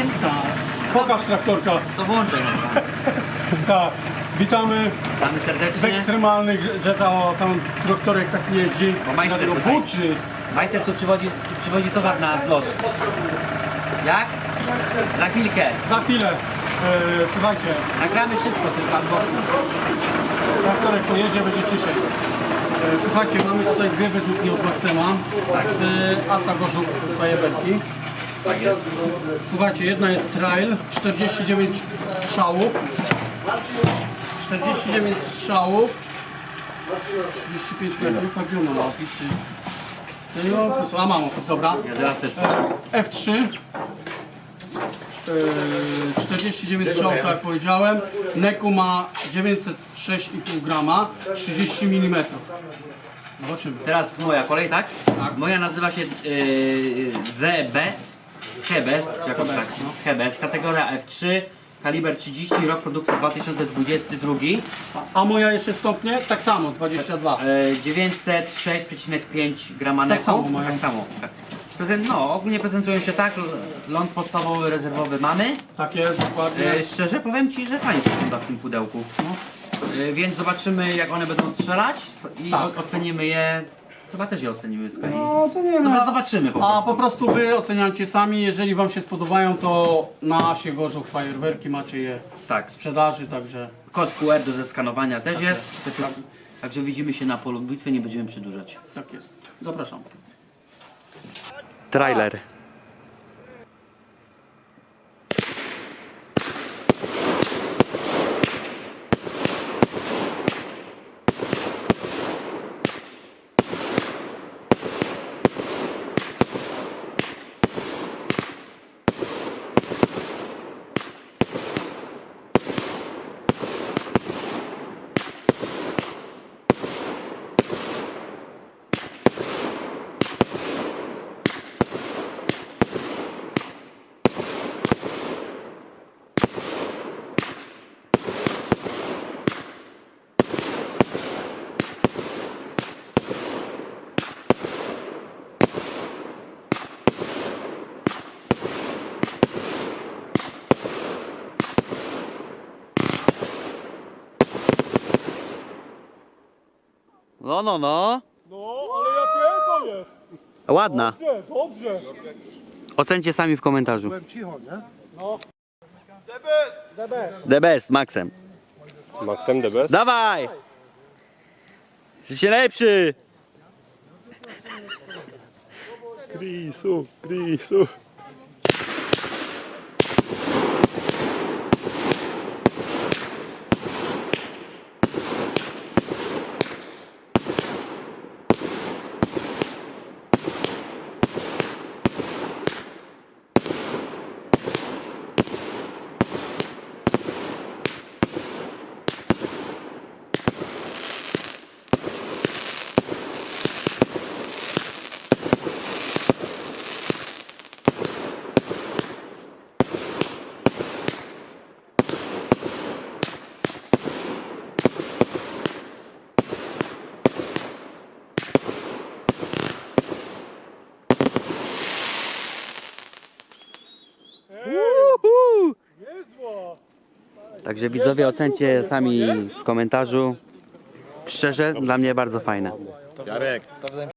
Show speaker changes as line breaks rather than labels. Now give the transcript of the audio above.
traktorkiem?
Tak. Pokaż traktorka.
To włączę.
Tak. Witamy
Witamy
w
serdecznie.
ekstremalnych, że tam traktorek tak jeździ.
Bo majster
dlatego
tutaj.
buczy.
Majster tu przywozi towar na zlot. Jak? Za chwilkę.
Za chwilę, słuchajcie,
Nagramy szybko tylko unboxing.
traktorek pojedzie, będzie ciszej. Słuchajcie, mamy tutaj dwie wyrzutnie od Maxema z Asa Gorzów Fajerwerki.
Tak jest.
Słuchajcie, jedna jest trail, 49 strzałów. 49 strzałów. 35 metrów, a gdzie ona ma opis? Ja nie mam opisu, a mam opis, dobra.
Ja teraz też.
F3. 49 strzałów, tak jak powiedziałem. Neku ma 906,5 grama, 30 mm. Zobaczymy.
Teraz moja kolej, tak?
Tak.
Moja nazywa się The Best. The Best, czy jakoś tak.
no.
The Best. Kategoria F3. Kaliber 30, rok produkcji 2022.
A moja jeszcze wstąpnie? Tak samo, 22.
906,5 grama
Tak
neku.
samo mają.
Tak samo. Tak. No, ogólnie prezentują się tak. Ląd podstawowy, rezerwowy mamy.
Tak jest, dokładnie.
Szczerze powiem Ci, że fajnie wygląda w tym pudełku.
No.
Więc zobaczymy, jak one będą strzelać i
Tak.
ocenimy je. Chyba też je ocenimy z kolei.
No, co nie wiem.
No, zobaczymy po prostu.
A po prostu wy oceniacie sami, jeżeli wam się spodobają, to na Asie Gorzów Fajerwerki macie je
Tak.
w sprzedaży, także
Kod QR do zeskanowania też jest. Także widzimy się na polu bitwy, nie będziemy przedłużać.
tak jest. Zapraszam.
Trailer. No.
No, ale jakie to jest?
Ładna.
Dobrze.
Ocencie sami w komentarzu.
Byłem cicho, nie? No.
The Best, Maxem.
Maxem the best?
Dawaj! Jesteście lepszy!
Krisu, Krisu.
Uhu! Także widzowie ocencie sami w komentarzu. Szczerze, dla mnie bardzo fajne.
Jarek.